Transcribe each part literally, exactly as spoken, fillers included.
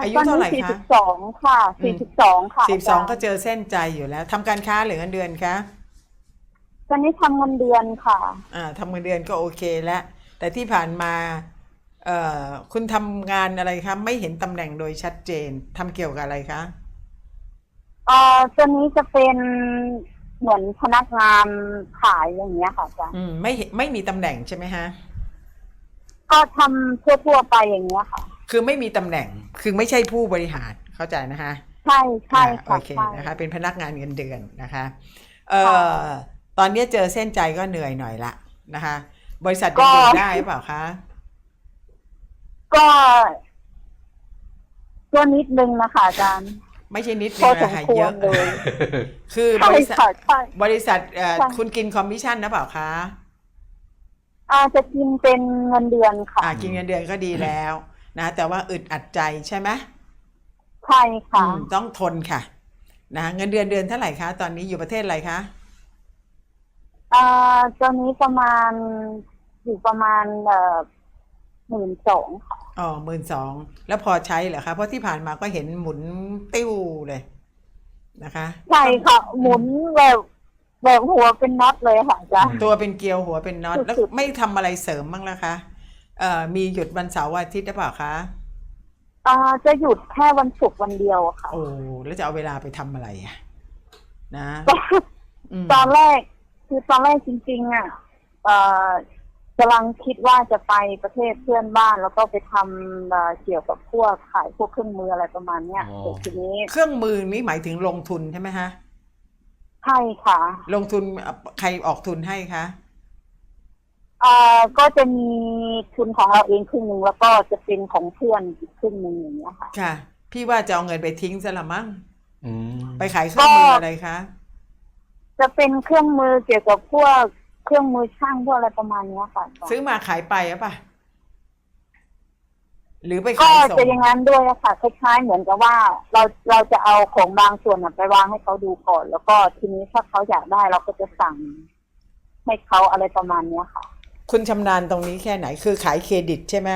อายุตอนนี้เท่าไหร่คะสี่สิบสองค่ะอืสี่มสิบสองค่ะสี่อาจารย์สิบสองก็เจอเส้นใจอยู่แล้วทำการค้าหรือเงินเดือนคะตอนนี้ทำเงินเดือนค่ะอ่าทำเงินเดือนก็โอเคแล้วแต่ที่ผ่านมาเอ่อคุณทำงานอะไรคะไม่เห็นตำแหน่งโดยชัดเจนทำเกี่ยวกับอะไรคะเอ่อตัวนี้จะเป็นเหมือนพนักงานขายอย่างเงี้ยค่ะอาจารย์อืมไม่เห็นไม่มีตำแหน่งใช่ไหมฮะก็ทำทั่วๆไปอย่างเงี้ยค่ะคือไม่มีตำแหน่งคือไม่ใช่ผู้บริหารเข้าใจนะคะใช่ใช่อ่าโอค่ะเคใช่นะคะเป็นพนักงานเงินเดือนนะคะเอ่ค่ะอตอนนี้เจอเส้นใจก็เหนื่อยหน่อยละนะคะบริษัทยัก็งอยู่ได้หรือเปล่าคะก็ตัวนิดนึงนะคะอาจารย์ไม่ใช่นิดพอนึงนะคะสมควเยอะรเลยคือบใช่ริษัทค่ะใช่บริษัทเอ่อใช่คุณกินคอมมิชชั่นนะเปล่าคะอาจจะกินเป็นเงินเดือนค่ะอ่ากินเงินเดือนก็ดีแล้วนะแต่ว่าอึดอัดใจใช่ไหมใช่อืค่ะมต้องทนค่ะนะเงินเดือนเดือนเท่าไหร่คะตอนนี้อยู่ประเทศอะไรคะอ่าตอนนี้ประมาณอยู่ประมาณเอ่อหมื่นสองค่ะอ๋อหมื่นสองแล้วพอใช้เหรอคะเพราะที่ผ่านมาก็เห็นหมุนติ้วเลยนะคะใช่ต้องค่ะหอืมมุนแบบแบบหัวเป็นน็อตเลยค่ะอาจารย์ตัวเป็นเกลียวหัวเป็นน็อตแล้วสุดไม่ทำอะไรเสริมบ้างล่ะคะเอ่อมีหยุดวันเสาร์วันอาทิตย์หรือเปล่าคะๆอ่าจะหยุดแค่วันศุกร์วันเดียวค่ะโอ้แล้วจะเอาเวลาไปทำอะไรอะนะตอนอืมตอนแรกคือตอนแรกจริงๆอ่ะเอ่อกำลังคิดว่าจะไปประเทศเพื่อนบ้านแล้วก็ไปทำเอ่อเกี่ยวกับพวกขายพวกเครื่องมืออะไรประมาณเนี้ยอ๋อแต่ทีนี้เครื่องมือนี้หมายถึงลงทุนใช่ไหมฮะใช่ค่ะลงทุนใครออกทุนให้คะเอ่อก็จะมีทุนของเราเองครึ่งหนึ่งแล้วก็จะเป็นของเพื่อนอีกครึ่งหนึ่งอย่างเงี้ยค่ะค่ะพี่ว่าจะเอาเงินไปทิ้งซะละมั้งอืมไปขายเครื่องมืออะไรคะจะเป็นเครื่องมือเกี่ยวกับพวกเครื่องมือช่างพวกอะไรประมาณเนี้ยค่ะซื้อมาขายไปหรือเปล่าหรือไปก็ขายส่จะงอย่างนั้นด้วยอะค่ะคล้ายๆเหมือนกับว่าเราเราจะเอาของบางส่วนน่ะไปวางให้เขาดูก่อน แล้วก็ทีนี้ถ้าเขาอยากได้เราก็จะสั่งให้เขาอะไรประมาณเนี้ยค่ะคุณชำนาญตรงนี้แค่ไหนคือขายเครดิตใช่ไหม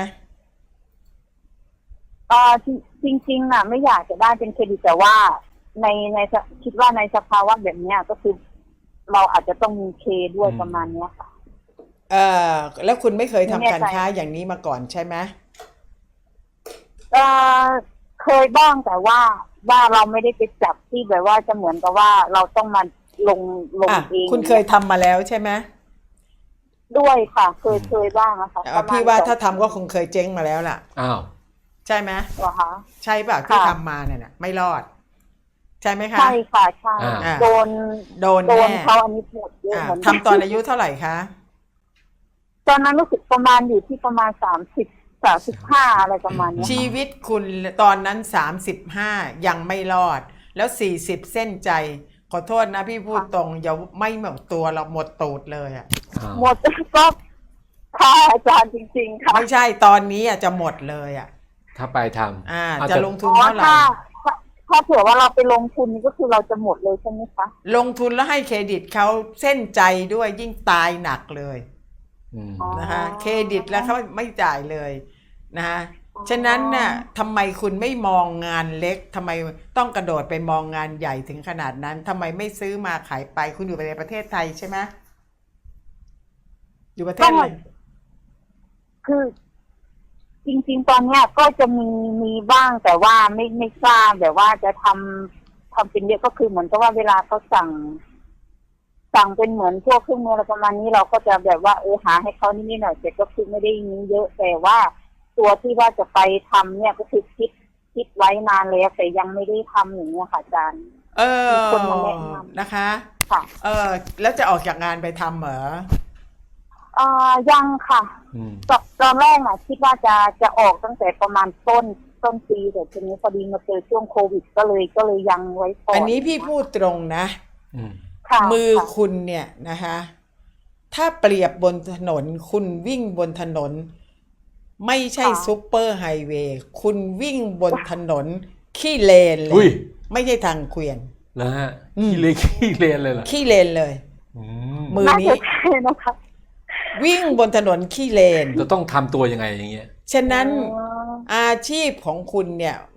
เอ่อจริงจริงๆน่ะไม่อยากจะได้เป็นเครดิตแต่ว่าในในคิดว่าในสภาวะแบบเนี้ยก็คือเราอาจจะต้องมีเคด้วยประมาณเนี้ยค่ะเอ่อแล้วคุณไม่เคยทำไม่แน่ใจการค้าอย่างนี้มาก่อนใช่ไหมเอ่อเคยบ้างแต่ว่าว่าเราไม่ได้ไปจับที่แบบว่าจะเหมือนกับว่าเราต้องมาลงลงอ่ะเองคุณเคยทำมาแล้วใช่ไหมด้วยค่ะ เคยเคยบ้างนะคะเอ่ปอระมาณพี่ว่าสองถ้าทำก็คงเคยเจ๊งมาแล้วล่ะอ้าวใช่ไหมเหรอคะใช่ป่ะที่ค่ะทำมาเนี่ยน่ะไม่รอด ใช่ไหมคะใช่ค่ะใช่อ่าโดนโดนโดนแน่เขาอันนี้หมดเยอะอ่ะเหมือนกันทำตอนอายุเท่าไหร่คะตอนนั้นรู้สึกประมาณอยู่ที่ประมาณสามสิบสามสิบห้าอะไรประมาณเนี้ยชีวิตคุณตอนนั้นสามสิบห้ายังไม่รอด แล้วสี่สิบเส้นใจ ขอโทษนะพี่พูดตรงอย่าไม่หมดตัวเราหมดตูดเลยอ่ะอ้าวหมดก็ค่ะอาจารย์จริงๆค่ะไม่ใช่ตอนนี้อ่ะจะหมดเลยอ่ะถ้าไปทำอ่าอาจจะจะลงทุอ๋นอเท่าไหร่ถ้าถ้าถ้าเผื่อว่าเราไปลงทุนนี่ก็คือเราจะหมดเลยใช่ไหมคะลงทุนแล้วให้เครดิตเขาเส้นใจด้วยยิ่งตายหนักเลยอืมอ๋อนะคะเครดิตแล้วเขาไม่จ่ายเลยนะคะฉะนั้นน่ะทำไมคุณไม่มองงานเล็กทำไมต้องกระโดดไปมองงานใหญ่ถึงขนาดนั้นทำไมไม่ซื้อมาขายไปคุณอยู่ในประเทศไทยใช่ไหมอยู่ประเทศอะไรคือ จริงๆตอนเนี้ยก็จะมีมีบ้างแต่ว่าไม่ไม่ทราบแบบว่าจะทำทำเป็นเยอะก็คือเหมือนกับว่าเวลาเขาสั่ง สั่งเป็นเหมือนพวกเครื่องมืออะไรประมาณนี้เราก็จะแบบว่าเออหาให้เขานิดๆหน่อยๆแต่ก็คือไม่ได้มีเยอะแต่ว่าตัวที่ว่าจะไปทำเนี่ยก็คือคิดคิดไว้นานแล้วแต่ยังไม่ได้ทำอย่างเงี้ยค่ะอาจารย์เออมีคนมาแนะนำนะคะค่ะเออแล้วจะออกจากงานไปทำเหรอเอ่อยังค่ะอืมตอนตอนแรกน่ะคิดว่าจะจะออกตั้งแต่ประมาณต้นต้นปีแต่ทีนี้พอดีมาเจอช่วงโควิดก็เลยก็เลยยังไว้ก่อนอันนี้พี่พูดตรงนะอืมค่ะมือค่ะคุณเนี่ยนะคะถ้าเปรียบบนถนนคุณวิ่งบนถนน ไม่ใช่ซุปเปอร์ไฮเวย์คุณวิ่งบนถนนขี้เลนเลอุ้ยยไม่ใช่ทางเกวียนแล้วฮะอืมขี้เลนขี้เลนเลยเหรอขี้เลนเลยอืมมือน่านี้จะใช่นะคะวิ่งบนถนนขี้เลนจะต้องทำตัวยังไงอย่างเงี้ยฉะนั้นอ๋ออาชีพของคุณเนี่ย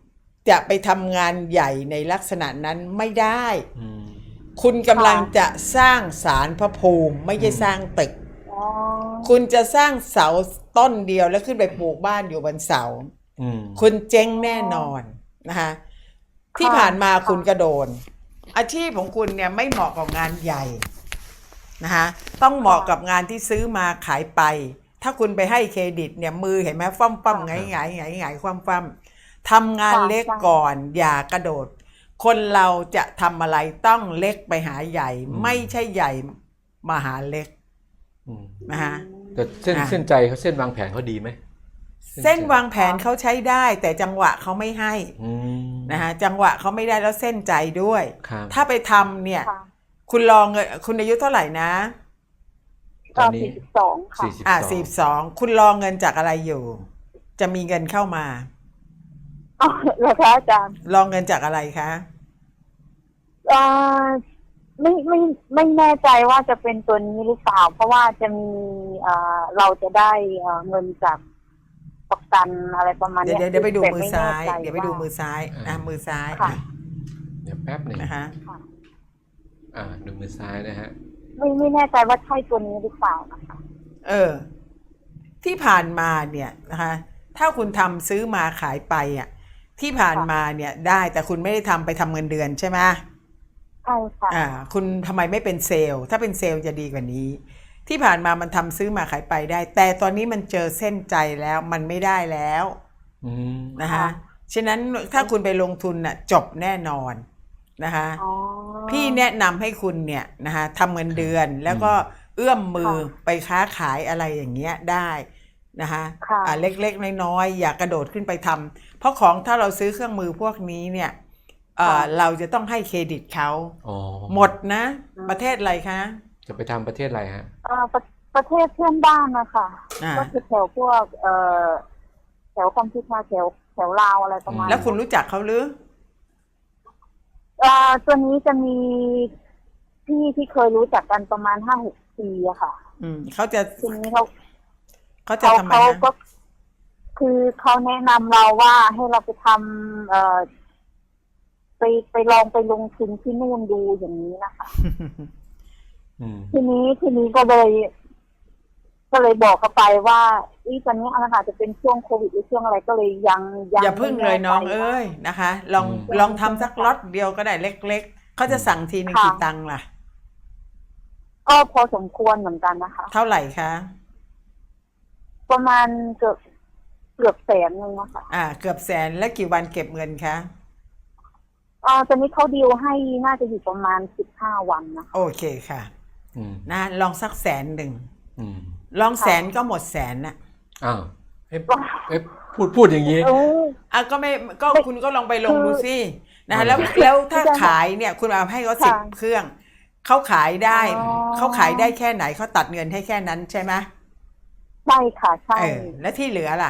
จะไปทำงานใหญ่ในลักษณะนั้นไม่ได้อืมคุณกำลังจะสร้างศาลพระภูมิไม่ใช่สร้างตึกอ๋อคุณจะสร้างเสาต้นเดียวแล้วขึ้นไปปลูกบ้านอยู่บนเสาอืมคุณเจ๊งแน่นอนนะคะที่ผ่านมาคุณกระโดนอาชีพของคุณเนี่ยไม่เหมาะกับงานใหญ่นะคะต้องเหมาะกับงานที่ซื้อมาขายไป ถ้าคุณไปให้เครดิตเนี่ยมือเห็นไหมฟั่มฟั่มไงไงไงไงคว่ำฟั่มทำงานเล็กก่อนอย่ากระโดด คนเราจะทำอะไรต้องเล็กไปหาใหญ่ ไม่ใช่ใหญ่มาหาเล็กอืมนะคะแต่เส้นอ่ะเส้นใจเขาเส้นวางแผนเขาดีไหมเส้นวางแผนเขาใช้ได้ แต่จังหวะเขาไม่ให้อืมนะคะจังหวะเขาไม่ได้แล้วเส้นใจด้วยครับถ้าไปทำเนี่ยค่ะคุณลองเงินคุณอายุเท่าไหร่นะตอนนี้สี่สิบสองค่ะสี่สิบอ่าสองสี่สองคุณรองเงินจากอะไรอยู่ จะมีเงินเข้ามาอ๋อเหรอคะอาจารย์รองเงินจากอะไรคะเอ่อไม่ไม่ไม่แน่ใจว่าจะเป็นตัวนี้หรือเปล่า เพราะว่าจะมีเอ่อเราจะได้เอ่อเงินจากประกันอะไรประมาณเดี๋ยวเนี้ยเดี๋ยวเดี๋ยวไปดูแต่มือไม่ซ้ายแน่ใจเดี๋ยวไปดูมือซ้ายอ่ะมือซ้ายค่ะเดี๋ยวแป๊บหนึ่งนะคะค่ะอ่าดูมือซ้ายนะฮะไม่ไม่แน่ใจว่าใช่ตัวนี้หรือเปล่านะคะเออ ที่ผ่านมาเนี่ยนะคะ ถ้าคุณทำซื้อมาขายไปอ่ะที่ผ่านมาเนี่ยได้แต่คุณไม่ได้ทำไปทำเงินเดือนใช่ไหมใช่ค่ะอ่า คุณทำไมไม่เป็นเซลล์ถ้าเป็นเซลล์จะดีกว่านี้ ที่ผ่านมามันทำซื้อมาขายไปได้ แต่ตอนนี้มันเจอเส้นใจแล้วมันไม่ได้แล้วอืมนะคะฉะนั้นถ้าคุณไปลงทุนน่ะจบแน่นอนนะคะอ๋อพี่แนะนำให้คุณเนี่ยนะคะทำเงินเดือนแล้วก็เอื้อมมือไปค้าขายอะไรอย่างเงี้ยได้นะคะค่ะอ่าเล็กๆน้อยๆอย่ากระโดดขึ้นไปทำเพราะของถ้าเราซื้อเครื่องมือพวกนี้เนี่ยเอ่อเราจะต้องให้เครดิตเขาอ๋อหมดนะประเทศอะไรคะจะไปทำประเทศอะไรฮะเอ่อประประเทศเพื่อนบ้านนะคะอ่าก็คือแถวพวกเอ่อแถวคอมพิวเตอร์แถวแถวลาวอะไรประมาณแล้วคุณรู้จักเขาหรือเอ่อตัวนี้จะมีพี่ที่เคยรู้จักกันประมาณห้าหกปีอะค่ะอืมเขาจะทีนี้เขาเขาจะเขาทำไมเขานะก็ คือเขาแนะนำเราว่าให้เราไปทำเอ่อไปไปลองไปลงทุนที่นู่นดูอย่างนี้นะคะอืมทีนี้ทีนี้ก็เลย ก็เลยบอกเขาไปว่าอีตอนนี้อาจจะเป็นช่วงโควิดหรือช่วงอะไรก็เลยยังยังอย่าพึ่งเลยน้องไม่แใจเอ้ยนะคะ ลองอืมลองทำสักล็อตเดียวก็ได้เล็กๆเขาจะสั่งทีนึงค่ะกี่ตังค์ล่ะก็พอสมควรเหมือนกันนะคะเท่าไหร่คะประมาณเกือบเกือบแสนนึงนะคะอ่า เกือบแสนแล้วกี่วันเก็บเงินคะอ่าตอนนี้เขาดีลให้น่าจะอยู่ประมาณสิบห้าวันนะคะโอเคค่ะอืมนะลองสักแสนหนึ่งอืมลองแสนก็หมดแสนน่ะอ้าวเอ๊ะเอ๊ะพูดพูดอย่างนี้เอออ่ะก็ไม่ก็ไม่คุณก็ลองไปลงคือดูสินะคือแล้วแล้วถ้าคือจะขายเนี่ย คุณเอาให้เขาสิบค่ะเครื่องเขาขายได้อ๋อเขาขายได้แค่ไหนเขาตัดเงินให้แค่นั้นใช่ไหมใช่ค่ะใช่เออแล้วที่เหลือล่ะ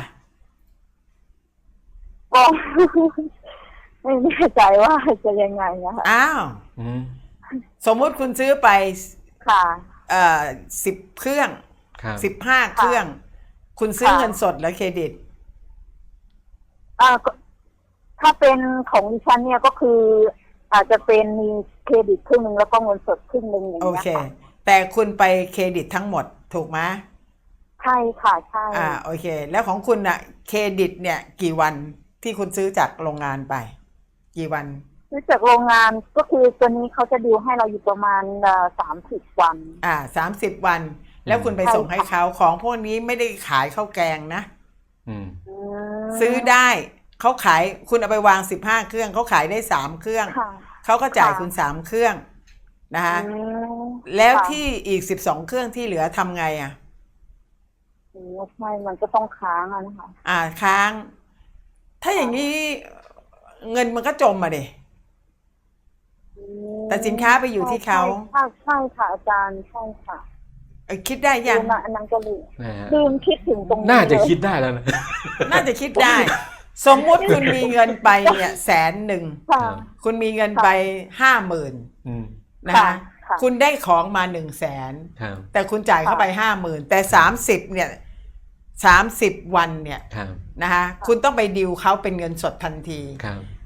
ก็ ไม่แน่ใจว่าจะยังไงนะคะอ้าวอืมสมมุติคุณซื้อไปค่ะเอ่อสิบเครื่องครับสิบห้าเครื่อง คุณซื้อค่ะเงินสดหรือเครดิตอ่าก็ถ้าเป็นของดิฉันเนี่ยก็คือ อาจจะเป็นมีเครดิตครึ่งหนึงแล้วก็เงินสดครึ่งหนึงอย่างโอเงี้ยเคค่ะแต่คุณไปเครดิตทั้งหมดถูกไหมใช่ค่ะใช่อ่าโอเค แล้วของคุณอะเครดิตเนี่ยกี่วันที่คุณซื้อจากโรงงานไป กี่วันซื้อจากโรงงานก็คือตัวนี้เขาจะดีลให้เราอยู่ประมาณสามสิบวันอ่าสามสิบวัน แล้วคุณไปใช่ส่งให้ค่ะเขาของพวกนี้ไม่ได้ขายข้าวแกงนะอืมอืมซื้อได้เขาขายคุณเอาไปวางสิบห้าเครื่องเขาขายได้สามเครื่องค่ะเขาก็จ่ายค่ะคุณสามเครื่องนะคะอืมแล้วค่ะที่อีกสิบสองเครื่องที่เหลือทำไงอ่ะอืมใช่มันก็ต้องค้างอะนะคะอ่าค้าง ถ้าอย่างนี้เงินมันก็จมมาดิอืมแต่สินค้าไปอยู่ที่เขาใช่ใช่ค่ะอาจารย์ใช่ค่ะเอ้ยคิดได้ยังลืมอะอันนั้นก็ลืมนะฮะลืมคิดถึงตรงนี้น่าจะเลยคิดได้แล้วนะน่าจะคิดได้ สมมุติคุณมีเงินไปเนี่ยแสนหนึ่งค่ะคุณมีเงินไปห้าหมื่นอืมนะคะค่ะคุณได้ของมาหนึ่งแสนครับแต่คุณจ่ายเข้าไปห้าหมื่นแต่สามสิบเนี่ยสามสิบวันเนี่ยครับนะคะคุณต้องไปดิวเขาเป็นเงินสดทันทีครับ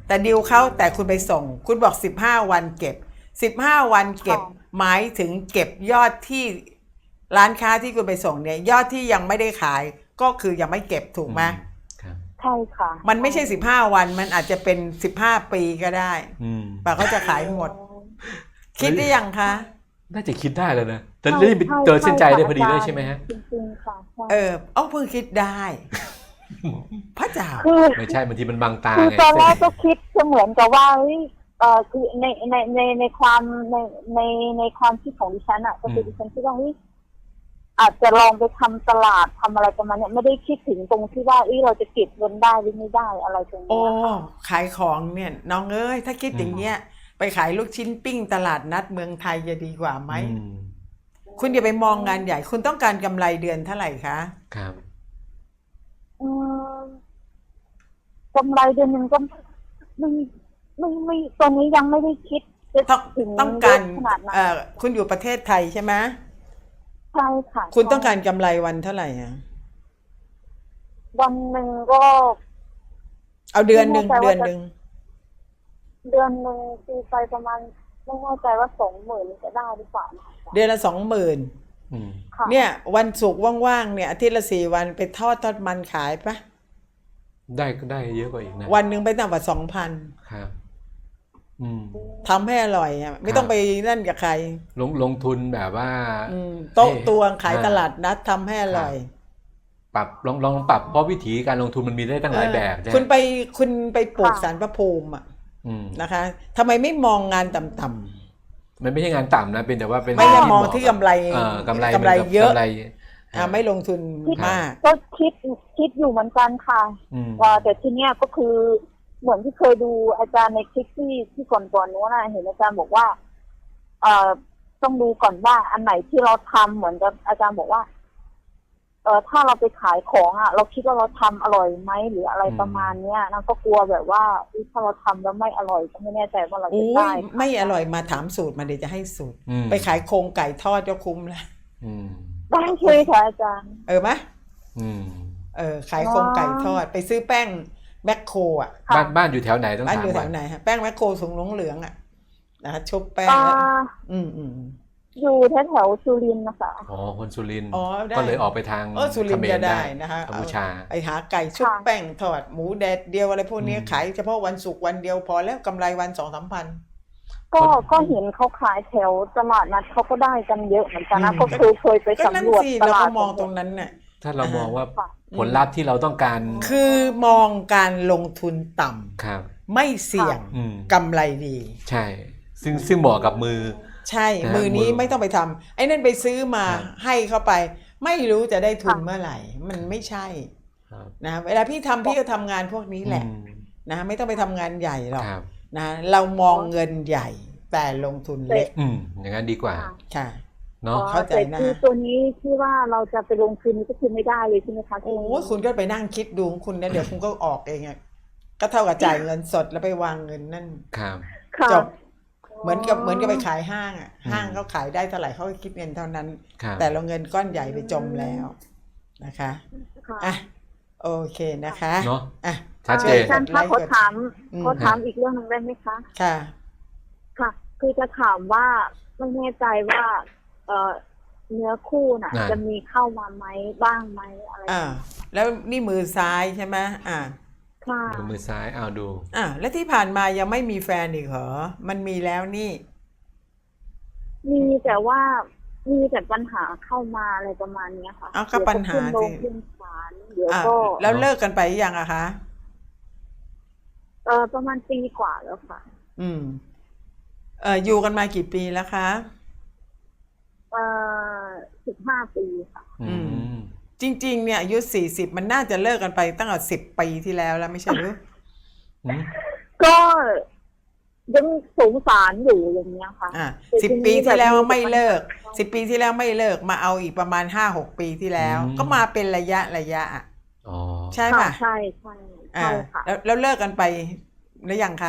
แต่ดิวเขาแต่คุณไปส่ง คุณบอกสิบห้าวันเก็บสิบห้าวันเก็บหมายถึงเก็บยอดที่ร้านค้าที่คุณไปส่งเนี่ยยอดที่ยังไม่ได้ขายก็คือยังไม่เก็บถูกไหมครับใช่ค่ะมันไม่ใช่สิบห้าวันมันอาจจะเป็นสิบห้าปีก็ได้อืมป่าเขาจะขายหมด คิดได้ยังคะน่าจะคิดได้แล้วนะแต่นี่เจอเส้นใจได้พอดีเลยใช่ไหมฮะจริงๆค่ะใช่เออเอาเพิ่งคิดได้ พระเจ้าคือไม่ใช่บางทีมันบังตาคือไงตอนแรกก็คิดจะเหมือนกับว่าเฮ้ยเออคือในในในในความในในในความคิดของดิฉันอ่ะก็คือดิฉันคิดว่าเฮ้ยอาจจะลองไปทำตลาดทำอะไรประมาณเนี้ยไม่ได้คิดถึงตรงที่ว่าเอ้ยเราจะเก็บเงินได้หรือไม่ได้อะไรตรงโอ้นี้ค่ะขายของเนี่ยน้องเอ้ยถ้าคิดอย่างเงี้ยไปขายลูกชิ้นปิ้งตลาดนัดเมืองไทยจะดีกว่าไหมอืมคุณอย่าไปมองงานใหญ่ คุณต้องการกำไรเดือนเท่าไหร่คะครับอืมกำไรเดือนหนึ่งก็ไม่ไม่ไม่ตอนนี้ยังไม่ได้คิดจะต้องถึงต้องการเยอะขนาดนั้นเอ่อคุณอยู่ประเทศไทยใช่ไหมใช่ค่ะคุณต้องการกำไรวันเท่าไหร่อะวันหนึ่งก็เอาเดือนหนึ่งไม่แน่ใจเดืว่าอนจะหนึ่งเดือนหนึ่งตีไปประมาณไม่แน่ใจว่าสองหมื่นจะได้หรือเปล่านะคะเดือนละสองหมื่นอืมค่ะเนี่ย วันศุกร์ว่างๆเนี่ยอาทิตย์ละสี่วันไปทอดทอดมันขายปะได้ก็ได้เยอะกว่าอีกนะวันหนึ่งไปต่ำกว่าสองพันครับ อืมทำให้อร่อยอ่ะไม่ต้องไปนั่นกับใครลงลงทุนแบบว่าอืมโต๊ะให้ตวงขายอ่าตลาดนัดทำให้อร่อยปรับลองลองปรับเพราะวิธีการลงทุนมันมีได้ตั้งหลายแบบเออใช่คุณไปคุณไปปลูกสารพระภูมิอ่ะอืมนะคะทำไมไม่มองงานต่ำมันไม่ใช่งานต่ำนะเป็นแต่ว่าเป็นๆไม่ได้มองเหาะที่กำไรเออกำไรกำไรเยอะกำไรอ่าไม่ลงทุนคิดมากก็คิดคิดอยู่เหมือนกันค่ะอืมว่าแต่ทีเนี้ยก็คือเหมือนที่เคยดูอาจารย์ในคลิปที่ที่ก่อนๆนู้นนะเห็นอาจารย์บอกว่า เอ่อต้องดูก่อนว่าอันไหนที่เราทำเหมือนกับอาจารย์บอกว่า เอ่อถ้าเราไปขายของอ่ะ เราคิดว่าเราทำอร่อยไหมหรืออะไรประมาณเนี้ยนั่นก็กลัวแบบว่าอุ๊ยถ้าเราทำแล้วไม่อร่อยก็ไม่แน่ใจว่าเราจะอุ้ได้ยไม่อร่อยมาถามสูตรมาเดี๋ยวจะให้สูตรอืมไปขายโครงไก่ทอดก็คุ้มแล้วอืมได้เลยค่ะอาจารย์เออไหมอืมเออขายโครงไก่ทอดไปซื้อแป้งแมคโครอ่ะค่ะบ้านบ้านอยู่แถวไหนต้องบ้านถามอยู่แถก่อนวไหนฮะแป้งแมคโครถุงเหลืองๆอ่ะนะคะชุบแป้งอ่าแล้วอืมอืมอยู่แถวแถวๆสุรินทร์นะคะอ๋อคนสุรินทร์อ๋อได้ก็เลยออกไปทางเออสุรินทร์เขมจะรได้นะคะกัมพูชาเอาไปหาไก่ชุบแป้งทอดหมูแดดเดียวอะไรพวกนี้อืมขายเฉพาะวันศุกร์วันเดียวพอแล้วกำไรวันสองสามพันก็ก็เห็นเขาขายแถวตลาดนัดเขาก็ได้กันเยอะเหมือนกันนะอืมก็เคยเคยไปก็นั่นสำรวจสิตเราลาก็ดมองตรงนั้นน่ะถ้าเรามองว่าค่ะผลลัพธ์ที่เราต้องการคือมองการลงทุนต่ำครับไม่เสี่ยงอืมกำไรดีใช่ ซึ่งซึ่งเหมาะกับมือใช่นะมือนี้มือไม่ต้องไปทำไอ้นั่นไปซื้อมาครับให้เข้าไป ไม่รู้จะได้ทุนค่ะเมื่อไหร่ มันไม่ใช่ครับนะเวลาพี่ทำพี่ก็ทำงานพวกนี้แหละอืมนะไม่ต้องไปทำงานใหญ่หรอกครับนะเรามองเงินใหญ่ แต่ลงทุนเล็กอืมอย่างนั้นดีกว่าค่ะค่ะเนาะเข้าใจนะแต่คือตัวนี้ที่ว่าเราจะไปลงทุนนี่ก็คือไม่ได้เลยใช่ไหมคะโอ้ยคุณก็ไปนั่งคิดดูของคุณนะเดี๋ยวคุณก็ออกเองอะก็เท่ากับจ่ายเงินสดแล้วไปวางเงินนั่นครับค่ะจบ เหมือนกับเหมือนกับไปขายห้างอ่ะอืมห้างเขาขายได้เท่าไหร่เขาก็คิดเงินเท่านั้นครับแต่เราเงินก้อนใหญ่ไปจมแล้วนะคะค่ะอ่ะโอเคนะคะเนาะอ่ะชัดเจนอาจารย์คะขอถามอืมขอถามอีกเรื่องหนึ่งได้ไหมคะค่ะค่ะ คือจะถามว่าไม่แน่ใจว่า เอ่อเนื้อคู่น่ะอ่าจะมีเข้ามาไหมบ้างไหมอะไรอ่าแล้วนี่มือซ้ายใช่ไหมอ่าค่ะดูมือซ้ายเอาดูอ่าแล้วที่ผ่านมายังไม่มีแฟนอีกเหรอมันมีแล้วนี่มีแต่ว่ามีแต่ปัญหาเข้ามาอะไรประมาณเนี้ยค่ะเอาก็ปัญหาเดี๋ยวก็สิขึ้นโรงขึ้นศาลเดี๋ยวอ่าก็แล้วเลิกกันไปยังอะคะเออประมาณปีกว่าแล้วค่ะอืมเอ่ออยู่กันมากี่ปีแล้วคะเออสิบห้าปีค่ะอืมจริงๆเนี่ยอายุสี่สิบมันน่าจะเลิกกันไปตั้งแต่สิบปีที่แล้วแล้วไม่ใช่หรืออืมก็ยังสงสารอยู่อย่างเงี้ยค่ะอ่าแต่สิบทีนี้ปีที่แล้วแบบไม่เลิกปัญหาสิบปีที่แล้วไม่เลิกมาเอาอีกประมาณห้าหกปีที่แล้ว ก็มาเป็นระยะระยะอ่ะอ๋อใช่ค่ะป่ะใช่ใช่อ่าใช่ค่ะแล้วแล้วเลิกกันไปหรือยังคะ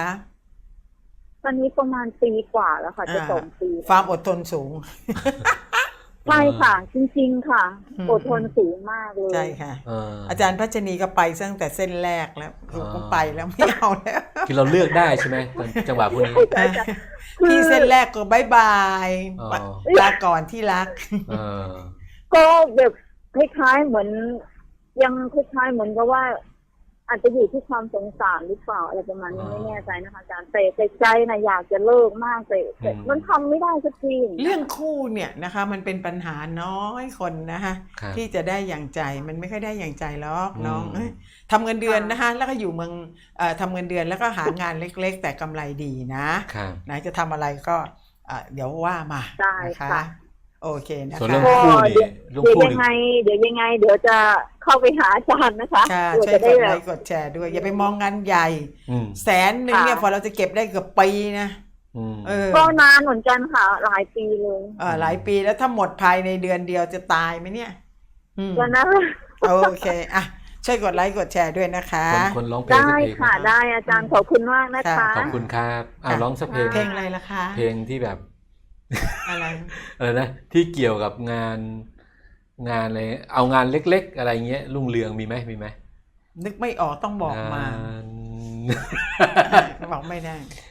ตอนนี้ประมาณปีกว่าแล้วค่ะจะอ่าสองปีความอดทนสูงช่ค่ะ จริงๆค่ะอืมอดทนสูงมากเลยใช่ค่ะเอออาจารย์พัชนีก็ไปตั้งแต่เส้นแรกแล้วคือก็ไปแล้วไม่เอาแล้วคือเราเลือกได้ใช่ไหมจังหวะพวกนี้พี่เส้นแรกก็บายบายอ๋อลาก่อนที่รักเออก็แบบคล้ายๆเหมือน ยังคล้ายๆเหมือนกับว่า อาจจะอยู่ที่ความสงสารหรือเปล่าอะไรประมาณนี้อ๋อไม่แน่ใจนะคะอาจารย์แต่แต่ใจนะอยากจะเลิกมากแต่แต่อืมมันทำไม่ได้สักทีเรื่องคู่เนี่ยนะคะมันเป็นปัญหาน้อยคนนะคะครับที่จะได้อย่างใจมันไม่ค่อยได้อย่างใจหรอกอืมน้องเอ้ยทำเงินเดือนนะคะแล้วก็อยู่เมืองเอ่อทำเงินเดือนแล้วก็หางานเล็กๆ แต่กำไรดีนะครับ นะจะทำอะไรก็เอ่อเดี๋ยวว่ามาได้นะคะค่ะโอเคนะส่วนคะเรื่องคู่นี่เรื่องเดี๋ยวคู่ยังนี่ไง เดี๋ยวยังไง เดี๋ยวจะเข้าไปหาอาจารย์นะคะค่ะเพื่อช่วยจะกได้ดแบไลบค์กดแชร์ด้วย อย่าไปมองงานใหญ่อืมแสนหนึ่งเนี่ยค่ะพอเราจะเก็บได้เกือบปีนะอืมเออก็นานเหมือนกันค่ะ หลายปีเลยเออหลายปีแล้วถ้าหมดภายในเดือนเดียวจะตายไหมเนี่ยอืมก็นะโอเคอ่ะช่วยกดไลค์กดแชร์ด้วยนะคะคนคนร้องเพลงได้สักเพลงค่ะไหมได้อาจารย์ขอบคุณมากนะคะค่ะขอบคุณครับอ่าค่ะร้องสักเพลงเพลงอะไรล่ะคะเพลงที่แบบอะไรเออนะที่เกี่ยวกับงานงานอะไรเอางานเล็กๆ อะไรเงี้ยรุ่งเรืองมีไหมมีไหมนึกไม่ออกต้องบอกมางานบอกไม่ได้